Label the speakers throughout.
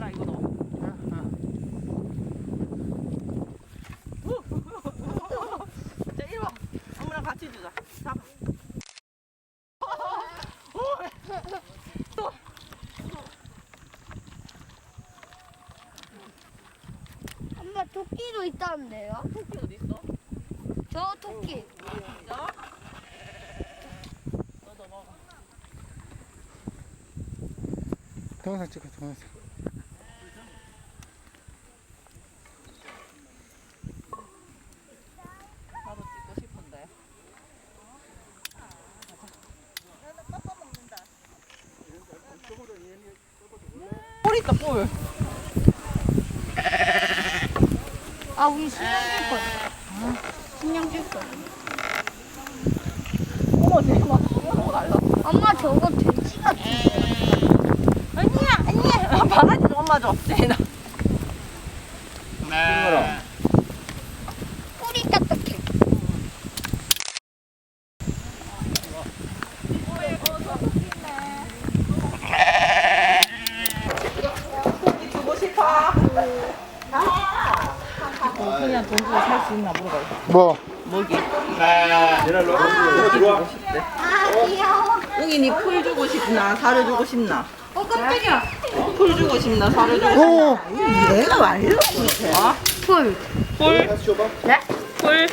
Speaker 1: 봐라 이거 너. 자 이리 와. 엄마랑 같이 주자. 잡아. 또.
Speaker 2: 엄마 토끼도 있다는데요?
Speaker 1: 토끼 어디 있어?
Speaker 2: 저 토끼.
Speaker 1: 자. 너도 먹어.
Speaker 3: 동영상 찍어, 동영상.
Speaker 1: 나도 찍고 싶은데. 뿔 있다 뿔.
Speaker 2: 아, 우리 신경 줄 거야. 신경 줄 거야.
Speaker 1: 어머 돼지 막 뛰어넘어 날라.
Speaker 2: 엄마 저거 돼지 같은.
Speaker 1: 아니야. 바가지 좀 엄마 줘. 제인아.
Speaker 3: 네.
Speaker 2: 뿔이 딱딱해.
Speaker 1: 토끼 주고 싶어. 그냥 돈 주고 살 수 있나 물어봐.
Speaker 3: 뭐?
Speaker 1: 뭐기?
Speaker 3: 네.
Speaker 1: 토끼 주고 싶대.
Speaker 2: 아, 귀여워.
Speaker 1: 웅이니 풀 주고 싶나 사료 주고 싶나?
Speaker 2: 깜짝이야.
Speaker 1: 풀 주고 싶나 사료 주고 싶나?
Speaker 3: 오!
Speaker 1: 내가 말려. 어?
Speaker 2: 풀.
Speaker 1: 풀?
Speaker 2: 네?
Speaker 1: 풀?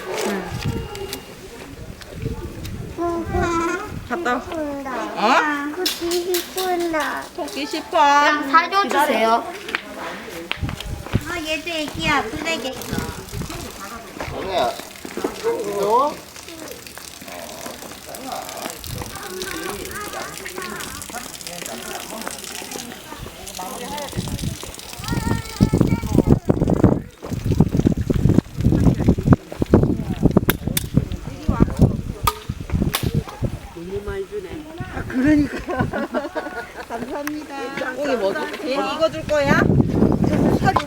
Speaker 1: 갔다. 어?
Speaker 2: 토끼 싶은다.
Speaker 1: 토끼 싶어.
Speaker 2: 그냥 사줘
Speaker 1: 기다려.
Speaker 2: 주세요. 아, 얘도 애기야. 블랙.
Speaker 3: 아니야. 이거?
Speaker 1: 웅이 뭐 줄? 제인이 이거 줄 거야? 사줘.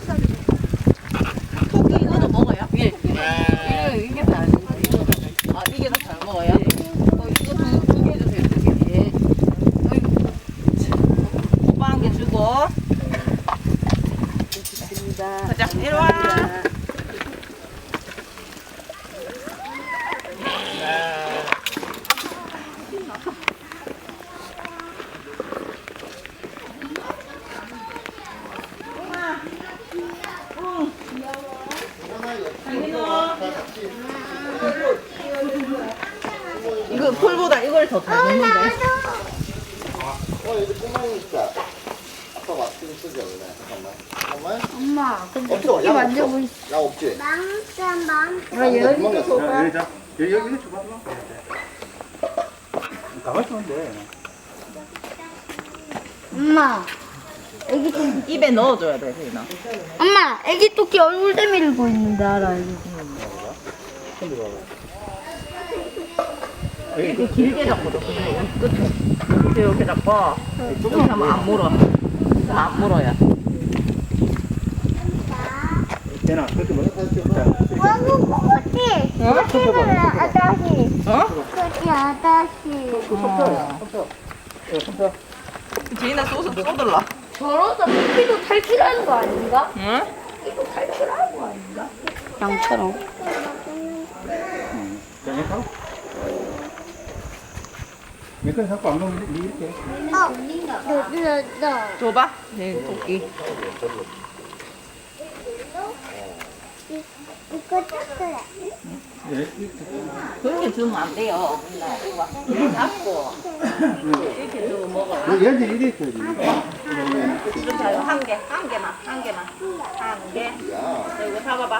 Speaker 1: 토끼 이거도 먹어요? 예. 이게 다 아, 이게 더 잘 먹어요? 이거 두 개 주세요, 두 개. 예. 오빠 한 개 주고. 가자, 이리 와. 이거 풀보다 이걸 더 잘 먹는데.
Speaker 3: 여기 꼬마이 있다. 아빠 마스크 쓰지 않네. 잠깐만.
Speaker 2: 엄마, 근데
Speaker 3: 없어.
Speaker 2: 토끼
Speaker 3: 양
Speaker 2: 만져보
Speaker 3: 없어. 양 없지?
Speaker 2: 아, 여기도 줘봐.
Speaker 4: 여기다. 여기 줘봐. 가만히 있으면 돼.
Speaker 2: 엄마, 애기 토끼.
Speaker 1: 입에 넣어줘야 돼, 세인아.
Speaker 2: 엄마, 애기 토끼 얼굴 내밀고 있는데 알아, 이거.
Speaker 1: 이렇게 길게 잡거든. 끝에 이렇게 잡고 이렇게 하면 안 물어. 그럼 안 물어야.
Speaker 4: 되나? 그렇게 먹어.
Speaker 2: 왕국 토끼. 토끼는 아다시.
Speaker 1: 어?
Speaker 2: 토끼 아다시.
Speaker 1: 제인아 쏟을라.
Speaker 2: 저러다 토끼도 탈출하는 거 아닌가?
Speaker 1: 응?
Speaker 2: 이거 탈출하는 거 아닌가? 양처럼.
Speaker 4: 몇건 갖고 안 먹으면 니 이렇게.
Speaker 2: 나.
Speaker 1: 줘봐. 네, 토끼.
Speaker 2: 이거 쳤어요.
Speaker 1: 그렇게 주면 안 돼요. 이거 잡고 이렇게 주고 먹어.
Speaker 4: 얘들 이래 있어야지.
Speaker 1: 주세요. 한 개만. 한 개. 이거 잡아봐.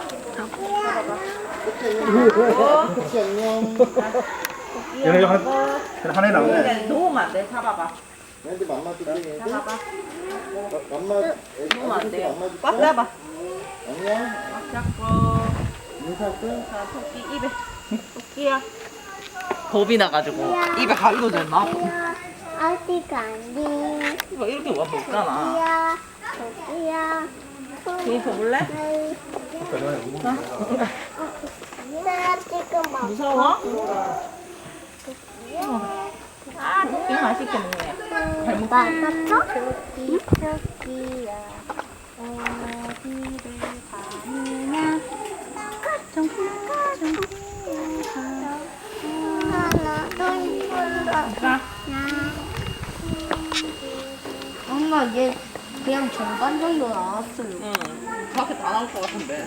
Speaker 3: 토끼 안녕.
Speaker 4: 얘네 하나에 나오네.
Speaker 1: 놓으면 안 돼. 잡아봐.
Speaker 3: 얘들 맘마 줄게. 얘들.
Speaker 1: 잡아봐.
Speaker 3: 맘마.
Speaker 1: 놓으면 안 돼요.
Speaker 3: 맘마 줄게.
Speaker 1: 꽉 잡아.
Speaker 3: 안녕.
Speaker 1: 꽉 잡고.
Speaker 3: 인사할게.
Speaker 1: 자, 토끼 입에. 토끼야. 겁이 나가지고 입에 가리고 졌나?
Speaker 2: 어디 가니?
Speaker 1: 이거 이렇게 와 먹잖아.
Speaker 2: 토끼야.
Speaker 1: 괜히 줘볼래?
Speaker 2: 나 지금 먹.
Speaker 1: 무서워? 아, 토끼 맛있게 먹네. 잘 먹지?
Speaker 2: 토끼야. 어디를 가느냐 엄마 얘 그냥 절반 정도 나왔어요.
Speaker 1: 응. 그렇게 다 나올 것 같은데.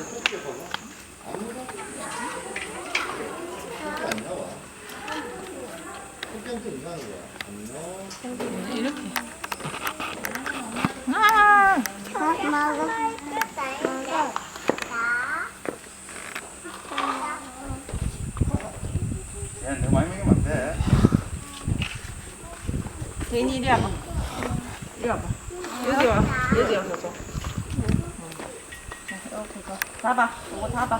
Speaker 3: 안 나와. 흑경도 이상한 거야. 안 나와.
Speaker 1: 이렇게.
Speaker 4: 야, 너무 많이 먹으면 안 돼.
Speaker 1: 제인이 이리 와봐. 이리 와봐. 여기 와. 여기 와서 줘. 이렇게 줘. 잡아. 이거 잡아.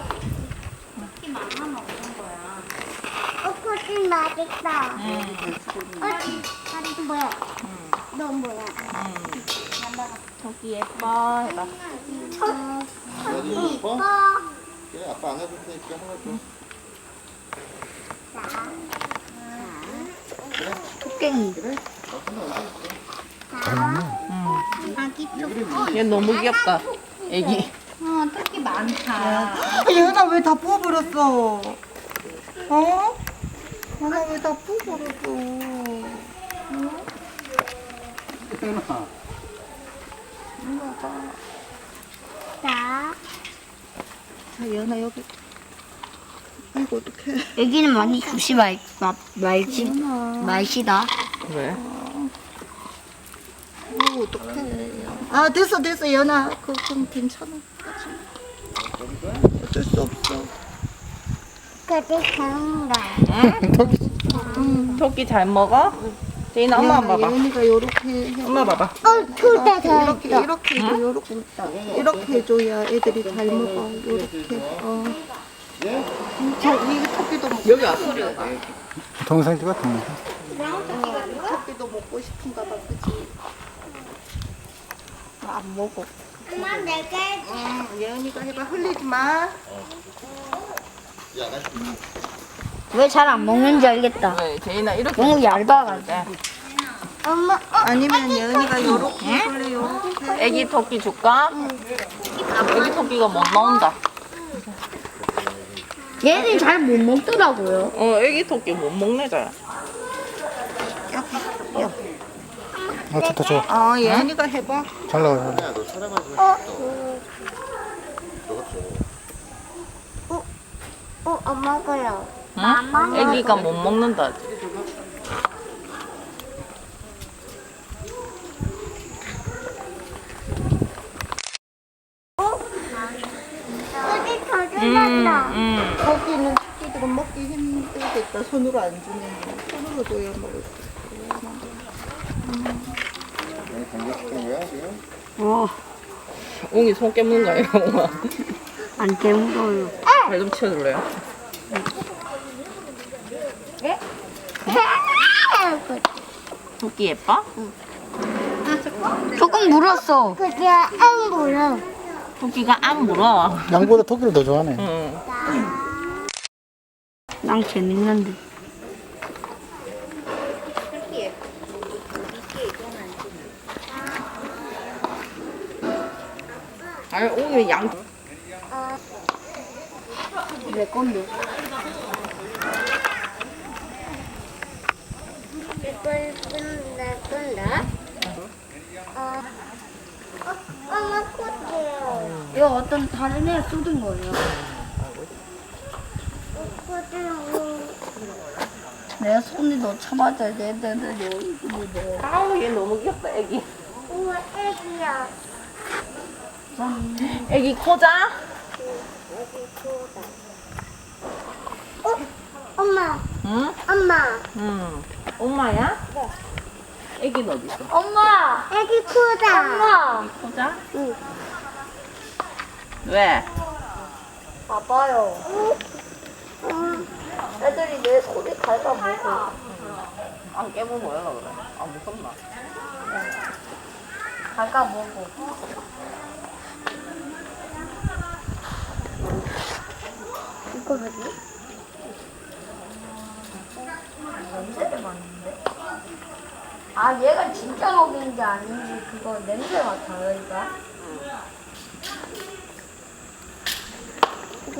Speaker 2: 코팅 맛있다. 다리 뭐야? 너 뭐야?
Speaker 1: 저기 예뻐. 해봐.
Speaker 3: 여기 이뻐? 그래, 아빠 안아줄 테니까 하나 줘.
Speaker 2: 토깽이.
Speaker 3: 그래?
Speaker 2: 아기 토끼.
Speaker 1: 얘 너무 귀엽다. 애기.
Speaker 2: 토끼 많다.
Speaker 1: 얘나 왜 다 부어버렸어? 어? 얘나 왜 다 부어버렸어?
Speaker 2: 자,
Speaker 1: 자, 얘나 여기. 아이고, 어떡해.
Speaker 2: 애기는 많이 주시 말시다.
Speaker 1: 왜?
Speaker 2: 오, 어떡해.
Speaker 1: 아, 됐어, 연아. 그럼 괜찮아. 어쩔 수 없어.
Speaker 2: 그게 좋은가?
Speaker 1: 토끼 잘 먹어? 제인아, 엄마 봐봐.
Speaker 3: 예은이가 요렇게 해.
Speaker 1: 엄마 봐봐.
Speaker 2: 둘다
Speaker 3: 이렇게 해줘. 이렇게 해줘야 애들이 잘 먹어. 요렇게. 자, 이 토끼도 먹고
Speaker 1: 여기 왔어.
Speaker 4: 동영상 찍어, 동영상.
Speaker 3: 토끼도 먹고 싶은가 봐, 그치?
Speaker 1: 안 먹어.
Speaker 2: 엄마 내게
Speaker 3: 예은이가 해봐. 흘리지 마.
Speaker 2: 왜 잘 안 먹는지 알겠다.
Speaker 1: 왜? 제인아, 이렇게.
Speaker 2: 너무 얇아가지고. 엄마,
Speaker 3: 아니면 예은이가 요렇게 해볼래, 요렇게.
Speaker 1: 애기 토끼 줄까? 애기 토끼가 못 나온다.
Speaker 2: 얘는 잘 못 먹더라고요.
Speaker 1: 애기 토끼 못 먹네, 잘.
Speaker 4: 좋다, 좋아.
Speaker 3: 예은이가 해봐.
Speaker 4: 잘 나와요.
Speaker 2: 안 먹어요.
Speaker 1: 응? 애기가 못 먹는다. 아직.
Speaker 2: 어디 터졌다.
Speaker 3: 거기는 토끼들은 먹기 힘들겠다. 손으로 안 주면. 손으로 줘야 먹을 수
Speaker 4: 감격시킨 거야, 지금?
Speaker 1: 웅이 손 깨무는 거예요, 웅아.
Speaker 2: 안 깨물어요.
Speaker 1: 발 좀 치워줄래요? 토끼 예뻐?
Speaker 2: 조금 물었어. 그게 안 물어.
Speaker 1: 토끼가 안 물어.
Speaker 4: 양보다 토끼를 더 좋아하네.
Speaker 1: 응.
Speaker 2: 난 재밌는데.
Speaker 1: 아니, 웅이 양.
Speaker 2: 내 건데. 이걸 내 건데? 엄마 코트요. 이거 어떤 다른 애 쏟은 거예요. 내가 손이 너 참아줘야 돼.
Speaker 1: 아우, 얘 너무 귀엽다, 애기.
Speaker 2: 우와, 애기야.
Speaker 1: 애기 코자?
Speaker 2: 엄마,
Speaker 1: 응?
Speaker 2: 엄마.
Speaker 1: 응. 엄마야? 애기는 어디 있어?
Speaker 2: 엄마, 애기 크다. 엄마.
Speaker 1: 코자?
Speaker 2: 응.
Speaker 1: 왜?
Speaker 2: 봐봐요. 애들이 내 소리 갉아먹어.
Speaker 1: 안 깨물고 뭐야, 그래? 아, 무섭나?
Speaker 2: 갉아먹어. 이거 뭐지? 냄새를 맡는데? 아, 얘가 진짜 먹인지 아닌지 그거 냄새 맡아요, 얘가?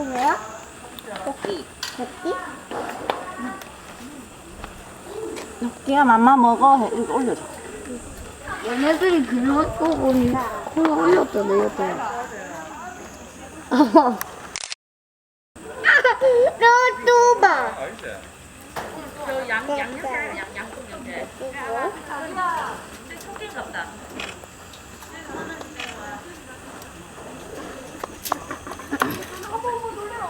Speaker 2: 뭐야?
Speaker 1: 토끼.
Speaker 2: 토끼?
Speaker 1: 토끼야 맘마 먹어. 이거 올려줘.
Speaker 2: 얘네들이 그런 거 보니 콜 올렸다 내렸다. 너또 봐.
Speaker 5: 저 양념